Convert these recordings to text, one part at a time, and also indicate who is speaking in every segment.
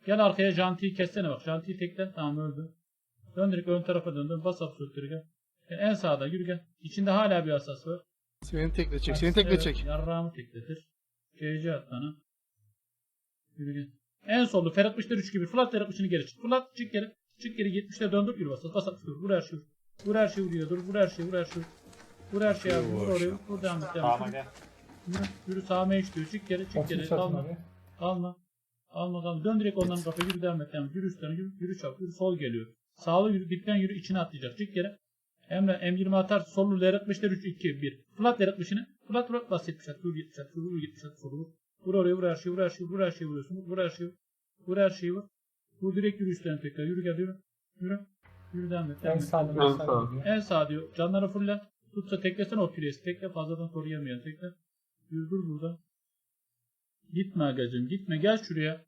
Speaker 1: Gel arkaya Janti'yi kessene bak. Janti'yi tekle. Tamam öldü. Dön direkt ön tarafa döndün. Bas absolutları gel. En sağda yürü gel. İçinde hala bir asas var.
Speaker 2: Seni tekletecek. Seni tekletecek.
Speaker 1: Yarrağımı tekletir. CC at bana. Yürü gel. En solda Ferhat Müşter 3 gibi. Flat Ferhat Müşter'i geri çık. Flat çık geri. Çık geri 70'e döndür. Yürü bas. Bas at. Vur her şeyi. Vur her şeyi vuruyor. Dur. Vur her şeyi. Vur her şeyi. Vur her şeyi abi. Vur oraya. Vur devam et.
Speaker 3: Sağıma gel.
Speaker 1: Yürü. Yürü sağıma eş diyor. Çık geri. Çık geri. Kalma. Kalma. Alma kalma. Dön direkt onların kafaya. Yürü devam et. Yürü üstlerine. Yürü. Yürü çabuk. Yürü sol geliyor. Sağlı yürü. Dipten yürü. İçine atlayacak. Çık geri. Emre M20 atar. Sollu L60'lar 3 2 1. Flat L60'ını. Flat bas 70 at. Vur 70 at. Vur 70 at. Vur. Vur oraya. Vur her şeyi. Vur her şeyi. Vur her şeyi vuruyorsun. Vur her şeyi. Vur her şeyi vur. Vur direkt yürü üstlerine tekrar. Yürü gel yürü. Yürü. Yürü devam et.
Speaker 4: En sağ.
Speaker 1: En sağ diyor. Canları fulle. Tutsa teklesene o piresi. Tekle fazladan koruyamayan. Tekle. Yürü dur burada. Gitme agacım. Gitme. Gel şuraya.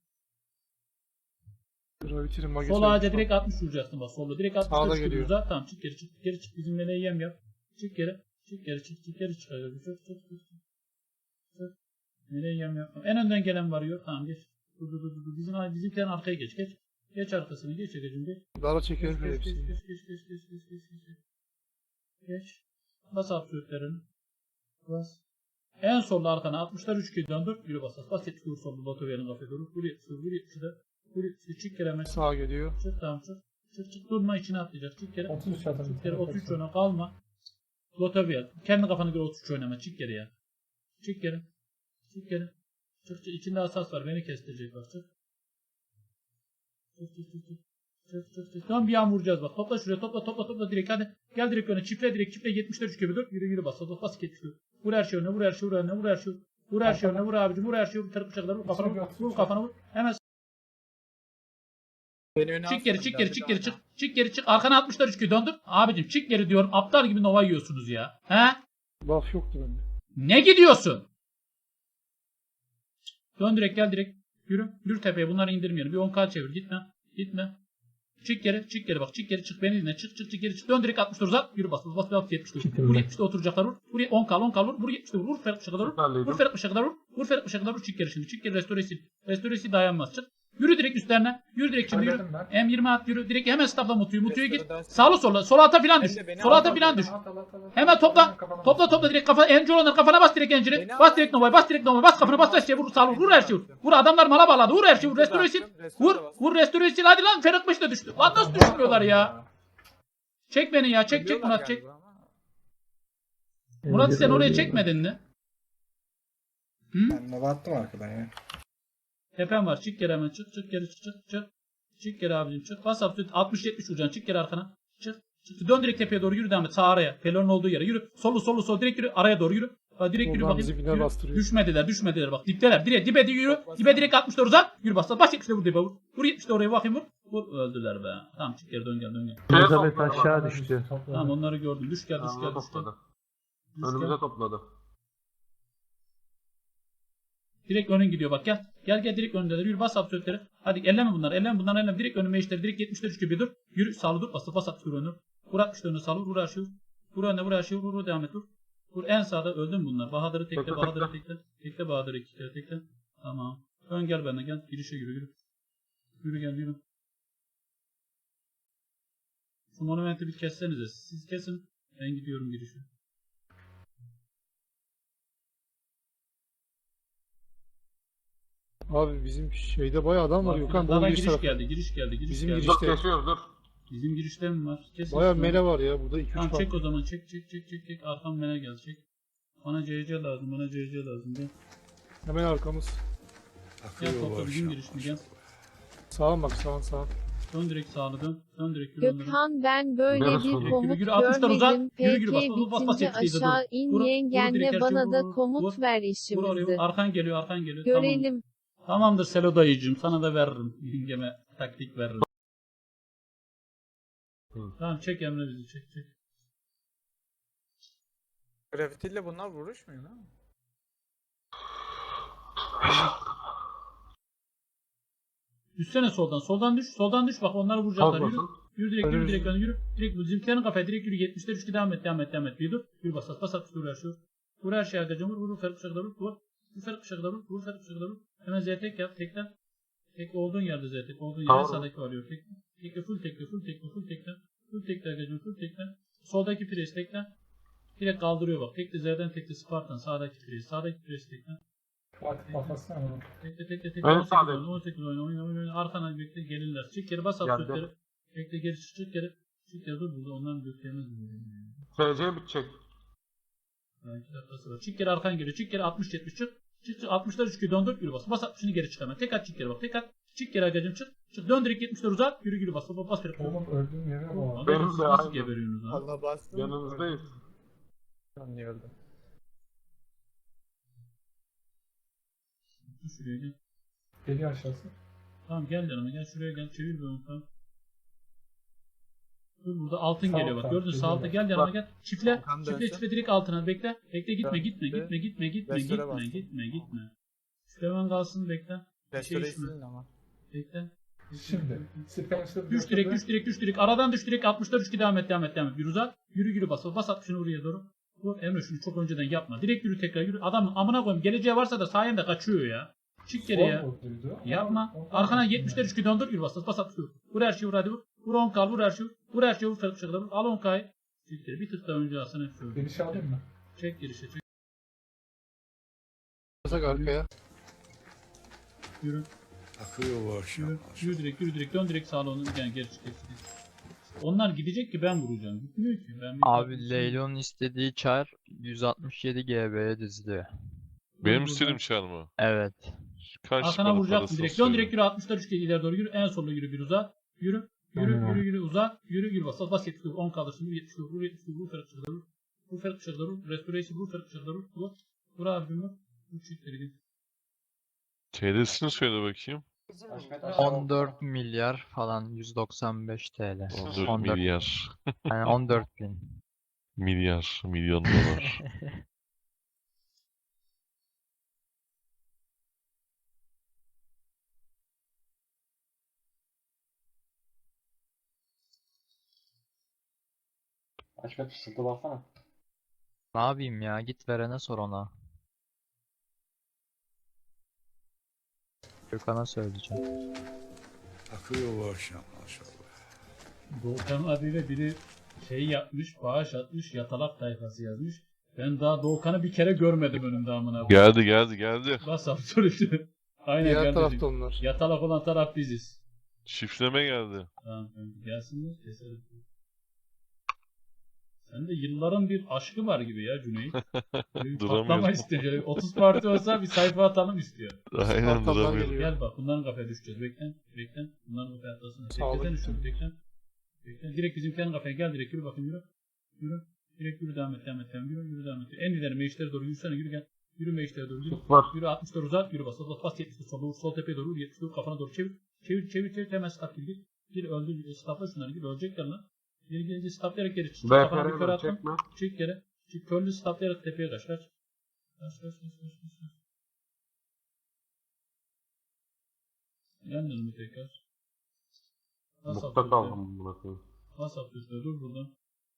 Speaker 1: Sol ağaca direkt 60 vuracaksın bak. Solda direkt 60 vuracaksın. Tamam çık geri çık. Geri çık. Bizimle ne yem yap. Çık geri. Çık geri çık. Çık geri çık. Çık. Nereye yem yapma. En önden gelen varıyor. Tamam geç. Dur. Bizimkilerin arkaya geç. Geç arkasını. Geç agacım geç.
Speaker 2: Dara çekelim
Speaker 1: Geç.
Speaker 2: hepsini.
Speaker 1: Geç. Bas absolutlerini. Bas. En solda arkana 60'lar 3 kez döndür. Yürü bas. Bas 70 vur solda. Batover'in kafaya doğru. Vur 70 vur 70'de. Vur 70'de. Çık kere hemen.
Speaker 2: Sağa geliyor.
Speaker 1: Çık tamam çık. Çık durma içine atlayacak. Çık kere.
Speaker 4: 33 atalım.
Speaker 1: Çık kere 33 oyna kalma. Lotover. Kendi kafana göre 33 oynama. Çık geri ya. Çık geri. Çık geri. Çık. İçinde asas var. Beni kestirecek bak. Çık. Çık. Tamam bir an vuracağız bak. Topla şuraya. Topla direkt. Hadi. Gel direkt öne. Çiftle 70'ler 3 gibi dur. Yürü bas. Bas 70. Vur her şey önüne. Vur her şey önüne. Vur her şey önüne. Vur abicim. Vur her şey. Vur tarıp bıçakları. Vur kafana vur. Hemen. Çık geri çık. Arkana 60'lar 3 döndür. Abicim çık geri diyorum. Aptal gibi nova yiyorsunuz ya. He?
Speaker 2: Buff yoktu bende.
Speaker 1: Ne gidiyorsun? Dön direkt gel direkt. Yürü tepeye bunları indirmeyelim. Bir 10k çevir. Gitme. Çık geri bak. Çık geri çık beni dinle. Çık geri çık. Dön direkt 60 uzat. Yürü bas 70'de. Vur 70'de oturacaklar vur. Vur 10k vur. Vur 70'de vur. Ferhat Bıçak'a vur. Vur Ferhat Bıçak'a vur. Çık geri şimdi. Çık geri restoresi dayanmaz. Çık. Yürü direkt üstlerine. Yürü direkt şimdi yürü. M20 at yürü. Direkt hemen stopla Mutu'yu git. Sağlı sola. Sola ata filan düş. Hemen topla direkt kafa. Encir olanlar kafana bas direkt enciri. Bas direkt Nova'ya. Bas kafana bas her şeye vur. Sağlı vur her şeyi vur. Vur adamlar mala bağladı. Vur her şeyi vur. Restoresi. Vur restoresi. Hadi lan Ferhat Bıçak da düştü. Lan nasıl düşmüyorlar ya? Çek beni ya. Çek Murat çek. Murat sen oraya çekmedin mi?
Speaker 5: Ben nova attım arkadan ya.
Speaker 1: Tepem var. Çık geri hemen. Çık geri çık. Çık geri abicim çık. Bas absolut 60-70 vuracaksın. Çık geri arkana. Çık. Dön direkt tepeye doğru yürü devam et. Sağ araya. Pelonun olduğu yere. Yürü. Sol direkt yürü. Araya doğru yürü. Direkt yürü bakayım. Yürü. Düşmediler bak. Dipteler. Dibe yürü. Dibe direkt 60'da uzat. Yürü bas. Baş 70'de vur dibe vur. Vur 70'de oraya bakayım vur. Vur. Öldüler be. Tamam çık geri dön gel.
Speaker 6: Elizabeth aşağı düştü.
Speaker 1: Tamam onları gördüm. Düş gel.
Speaker 6: Önümüze topladı.
Speaker 1: Direkt önün gidiyor bak gel. Gel direkt önündeler. Yürü bas absolutleri. Hadi elleme bunları. Elleme. Direkt önüme işleri. Direkt 70'ler 3 gibi dur. Yürü sağlı dur. Bas at önü. Vur 60'lar önüne sağlı. Vur her şeyi. Vur önüne vur her şeyi. Vur devam et vur. Vur en sağda öldün bunlar. Bahadır'ı tekle. Tekle Bahadır'ı 2 kere tekle. Tamam. Ön gel benden gel. Girişe yürü. Yürü. Şu monumenti bir kessenize. Siz kesin. Ben gidiyorum girişe.
Speaker 2: Abi bizim şeyde bayağı adam var Gökhan.
Speaker 1: Bana giriş geldi.
Speaker 2: Bizim girişte.
Speaker 6: Kesiyoruz
Speaker 1: Bizim girişte mi var?
Speaker 2: Bayağı mele var ya burada 2-3
Speaker 1: Tamam
Speaker 2: var.
Speaker 1: çek o zaman çek. Arkam mele gel çek. Bana CC lazım. Gel.
Speaker 2: Hemen arkamız.
Speaker 1: Gel topla bizim girişini gel.
Speaker 2: Sağa bak sağa.
Speaker 1: Dön direkt sağlı dön. Dön direkt
Speaker 7: Gökhan ben böyle bir komut
Speaker 1: yürü, 60'lar uzat.
Speaker 7: görmedim.
Speaker 1: Yürü,
Speaker 7: PK
Speaker 1: bas,
Speaker 7: bitince aşağı in yengenle bana da komut ver işimizi.
Speaker 1: Arkan geliyor.
Speaker 7: Görelim.
Speaker 1: Tamamdır Selo dayıcığım. Sana da veririm. Yengeme taktik veririm. Tamam çek Emre bizi çek.
Speaker 3: Gravitiyle bunlar vuruşmuyor değil mi?
Speaker 1: Düşsene soldan. Soldan düş bak onları vuracaklar. Yürü direkt yürü. Direkt bizimkilerin kafaya direkt yürü 70'ler 3 devam et. Bir dur. Yürü bas vur her şey. Vur her şey arkadaşım vur Ferhat Bıçak'la vur. Vur Ferhat Bıçak'la vur. Hemen Z tek yap tekten. Tekle olduğun yerde zaten. Olduğun yerde
Speaker 6: Tamam.
Speaker 1: sağdaki varıyor. Tekle. Tekle full tekle full tekle full tekle. Full tekle arkadaşım full tekle. Soldaki pres tekle. Direkt kaldırıyor bak. Tekle Z'den tekle Spartan. Sağdaki pres. Sağdaki pres tekle.
Speaker 4: Fatih kafasına mı?
Speaker 1: Tekle tekle tekle.
Speaker 6: En
Speaker 1: 18
Speaker 6: sağdaki.
Speaker 1: oyna 18 oyna. Arkana bekle gelirler. Çık geri bas at
Speaker 6: Geldi.
Speaker 1: sürtleri. Bekle geri çık geri. Çık geri dur burada. Onların göklerine duruyor.
Speaker 6: TC bitecek.
Speaker 1: Yani 2 dakikası var. Çık geri arkan geliyor. Çık geri 60-70 çık. Çık 60'lar 3 döndür yürü bas. Bas 60'ını geri çık hemen. Tek at çık geri bak. Tek at. Çık geri agacım çık. Çık dön direkt 70'ler uzat. Yürü bas. Bas bir.
Speaker 4: Oğlum öldüğüm yere bak.
Speaker 6: Benim
Speaker 1: Siz
Speaker 6: de
Speaker 1: nasıl
Speaker 6: aynı.
Speaker 1: geberiyorsunuz lan?
Speaker 3: Allah bastım.
Speaker 6: Yanınızdayız.
Speaker 3: Ben niye öldüm?
Speaker 1: Dur şuraya gel.
Speaker 4: Geliyor aşağısı.
Speaker 1: Tamam gel yanıma gel şuraya gel. Çevir bir onu tamam. Dur burada altın
Speaker 4: Sağ
Speaker 1: geliyor bak.
Speaker 4: alttan,
Speaker 1: Gördün sağ alta
Speaker 4: geliyor.
Speaker 1: gel yanıma
Speaker 6: Bak.
Speaker 1: gel. Çifle.
Speaker 3: Volkan
Speaker 1: Çifle
Speaker 3: dönse.
Speaker 1: çifle direkt altına bekle. Bekle gitme
Speaker 3: Dön.
Speaker 1: gitme
Speaker 3: Dön.
Speaker 1: gitme gitme gitme
Speaker 3: Restore
Speaker 1: gitme
Speaker 3: bastım.
Speaker 1: gitme. Süleyman kalsın bekle.
Speaker 3: Restore'yi
Speaker 1: içme.
Speaker 3: silin ama.
Speaker 1: Bekle.
Speaker 4: Şimdi. Spencer
Speaker 1: Düş direkt. Aradan düş direkt. 60'lar 3 devam et. Yürü uzat. Yürü bas. Bas 60'ını oraya doğru. Vur Emre şunu çok önceden yapma. Direkt yürü tekrar yürü. Adam amına koyayım. Geleceği varsa da sayende kaçıyor ya. Çık geri ya. Yapma. Arkana 70'ler 3 döndür. Yürü bas. Bas 60. Vur her şeyi vur hadi vur. Vur 10 kal vur her şeyi. Vur her şeyi vur. Farklı şekilde vur. Al 10 kayı. Çık geri. Bir tık daha önce alsana hep şöyle.
Speaker 4: Geniş alayım mı?
Speaker 1: Çek girişe çek.
Speaker 2: Basak arkaya.
Speaker 1: Yürü.
Speaker 5: Akıyor bu akşam.
Speaker 1: Yürü direkt. Dön direkt sağa onu. Yani geri çık. Onlar gidecek ki ben vuracağım. Gitmiyor ki. Ben bir
Speaker 8: Abi Leylon'un istediği çar 167 GB'ye diziliyor.
Speaker 9: Benim istediğim çar mı?
Speaker 8: Evet.
Speaker 9: Kaç
Speaker 1: Arkana
Speaker 9: bana
Speaker 1: vuracaksın
Speaker 9: parası
Speaker 1: direkt. Dön
Speaker 9: söyle.
Speaker 1: direkt yürü 60'lar 3 ileri doğru yürü. En solda yürü bir uzat. Yürü uzat. Yürü bas 70 vur 10 kaldırsın. Yürü 70 vur 70 vur ferhat çıkar vur. Vur ferhat çıkar vur. Restoration vur ferhat çıkar vur. Vur abim vur. Vur çiftleri git.
Speaker 9: TL'sini söyle bakayım.
Speaker 8: 14 milyar falan 195 TL.
Speaker 9: 14 milyar.
Speaker 8: Yani 14 bin.
Speaker 9: Milyar. Milyon dolar.
Speaker 4: Haşmet fısıltı baksana.
Speaker 8: Ne yapayım ya? Git verene sor ona. Gökhan'a söyleyeceğim.
Speaker 5: Akıyor bu akşam maşallah.
Speaker 1: Doğukan adıyla biri şey yapmış, bağış atmış, yatalak tayfası yazmış. Ben daha Doğukan'ı bir kere görmedim önümde amına koyayım.
Speaker 9: Geldi.
Speaker 1: Bas absolutely. Aynen
Speaker 2: Diğer
Speaker 1: kardeşim.
Speaker 2: tarafta onlar.
Speaker 1: Yatalak olan taraf biziz.
Speaker 9: Şifleme geldi.
Speaker 1: Tamam kanka gelsinler keselim. Sende yılların bir aşkı var gibi ya Cüneyt. Böyle bir
Speaker 9: Duramıyorum.
Speaker 1: patlama istiyor. Şöyle 30 parti olsa bir sayfa atalım istiyor.
Speaker 9: Aynen
Speaker 2: Arkamdan
Speaker 9: duramıyorum.
Speaker 2: geliyor.
Speaker 1: Gel bak bunların kafaya düşeceğiz. Beklen. Bunların kafaya atlasın.
Speaker 2: Sağlık.
Speaker 1: Beklesene şunu beklen. Direkt bizimkilerin kafaya gel direkt yürü bakayım yürü. Direkt yürü devam et. Yürü devam et. En ileri meclislere doğru yürüsene yürü gel. Yürü meclislere doğru yürü.
Speaker 6: Var.
Speaker 1: Yürü 60'ları uzat yürü bas 70'li sola vur sol tepeye doğru vur 70'li vur kafana doğru çevir hemen stop gir. Gir öldür stopla şunları gir ölecekler lan. Geri gelince stoplayarak geri çık. Kafana bir kör
Speaker 6: BPR'e
Speaker 1: attın.
Speaker 6: çekme.
Speaker 1: Çık geri. Çık körlü stoplayarak tepeye kaç. Kaç. Yandın mı tekrar?
Speaker 6: Mutlu kaldım buna koyayım.
Speaker 1: Bas atıyorsun dur burada.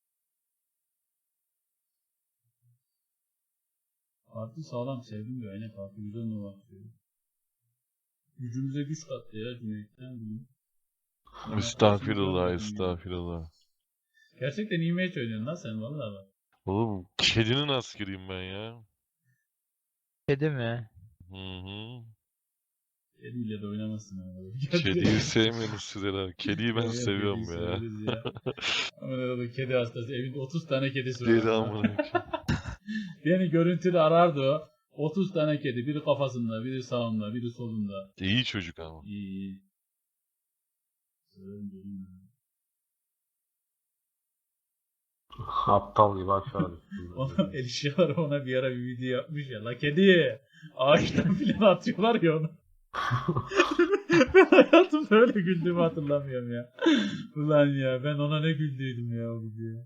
Speaker 1: Parti sağlam sevdim diyor. Aynen parti güzel numara atıyor. Gücümüze güç kattı ya Cüneyt'ten bugün.
Speaker 9: Estağfirullah.
Speaker 1: Gerçekten iyi match oynuyorsun lan sen vallahi bak.
Speaker 9: Oğlum kedinin askeriyim ben ya.
Speaker 8: Kedi mi?
Speaker 9: Hı.
Speaker 1: Kediyle de oynamazsın ama.
Speaker 9: Kediyi sevmiyorsunuz siz herhalde. Kediyi ben
Speaker 1: Evet,
Speaker 9: seviyorum
Speaker 1: kediyi
Speaker 9: ya.
Speaker 1: severiz ya. Ama ne oldu kedi hastası. Evinde 30 tane kedisi var.
Speaker 9: Kedi amına.
Speaker 1: Beni görüntülü arardı o. 30 tane kedi. Biri kafasında, biri sağında, biri solunda.
Speaker 9: İyi çocuk ama.
Speaker 1: İyi. Severim dedim ya.
Speaker 6: Aptal gibi aşağı düştüm.
Speaker 1: Ona Elişyalar ona bir ara bir video yapmış ya. La kedi. Ağaçtan filan atıyorlar ya onu. Ben hayatımda öyle güldüğümü hatırlamıyorum ya. Ulan ya ben ona ne güldüydüm ya o videoya.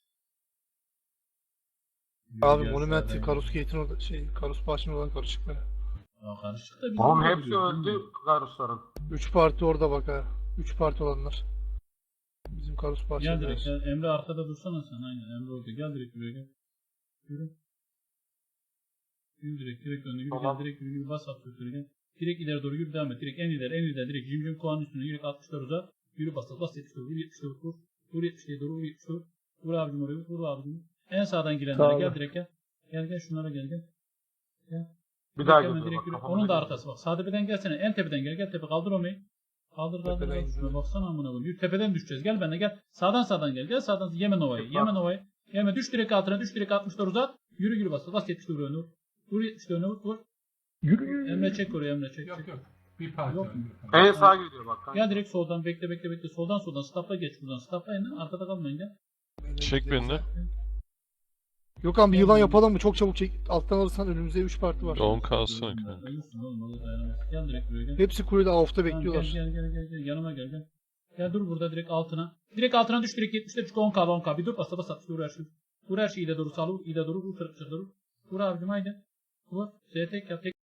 Speaker 2: Abi Monument Karus Gate'in orada Karus Bahçe'nin oradan karışık böyle.
Speaker 1: Ya karışık da bir
Speaker 6: Oğlum
Speaker 1: video
Speaker 6: hepsi
Speaker 1: biliyor,
Speaker 6: öldü
Speaker 1: bilmiyorum.
Speaker 6: Karusların.
Speaker 2: 3 parti orada bak ha. 3 parti olanlar. Bizim Karus
Speaker 1: Gel
Speaker 2: Bahçe'nin
Speaker 1: direkt
Speaker 2: orası.
Speaker 1: gel. Emre arkada dursana sen aynen Emre orada gel direkt buraya gel. Yürü. Yürü direkt önüne yürü
Speaker 6: Tamam.
Speaker 1: gel direkt yürü bas at götürü gel. Direkt ileri doğru yürü devam et. Direkt en ileri direkt cimcim kovanın üstüne yürü 60'lar uzat. Yürü bas 70'ler vur 70'ler vur. Vur 70'leri doğru vur 70'ler vur. Vur abicim oraya vur abicim. En sağdan girenlere
Speaker 2: Sağ
Speaker 1: gel
Speaker 2: ol.
Speaker 1: direkt gel. Gel şunlara gel.
Speaker 6: Bir daha
Speaker 1: Hemen
Speaker 6: geliyor
Speaker 1: direkt
Speaker 6: bak.
Speaker 1: yürü.
Speaker 6: kafama
Speaker 1: Onun da
Speaker 6: geliyor.
Speaker 1: arkası bak. Sağ tepeden gelsene. En tepeden gel tepe kaldır onu. Kaldır.
Speaker 2: Tepeden
Speaker 1: Şuna
Speaker 2: gidiyor.
Speaker 1: baksana amına koyayım. Yürü tepeden düşeceğiz. Gel benimle gel. Sağdan gel. Gel sağdan. Yeme Nova'yı. Yeme düş direkt altına. Düş direkt 60'lar uzat. Yürü bas. Bas 70'leri vur önüne vur. Vur 70'leri önüne vur.
Speaker 2: Yürü.
Speaker 1: Emre çek oraya Emre çek.
Speaker 4: Yok
Speaker 1: çek.
Speaker 4: yok. Bir parça.
Speaker 1: Yok mu?
Speaker 6: En sağ geliyor bak. kanka.
Speaker 1: Gel direkt soldan bekle. Soldan stopla geç buradan. Stoplayın lan. Arkada kalmayın gel.
Speaker 9: Çek beni de.
Speaker 2: Gökhan bir yılan yapalım mı? Çok çabuk çek. Alttan alırsan önümüzde 3 parti var.
Speaker 9: 10 kalsın kanka.
Speaker 1: Ölürsün oğlum. O da dayanamaz. Gel direkt buraya gel.
Speaker 2: Hepsi kulede AWP'ta
Speaker 1: Tamam,
Speaker 2: bekliyorlar.
Speaker 1: Gel. Yanıma gel. Gel dur burada direkt altına. Direkt altına düş direkt 70'te çünkü 10k. Bir dur bas at. Vur her şeyi. Vur her şeyi ileri doğru sağlı vur. İleri doğru vur. Vur abicim haydi. Vur. Z tek yap. Tek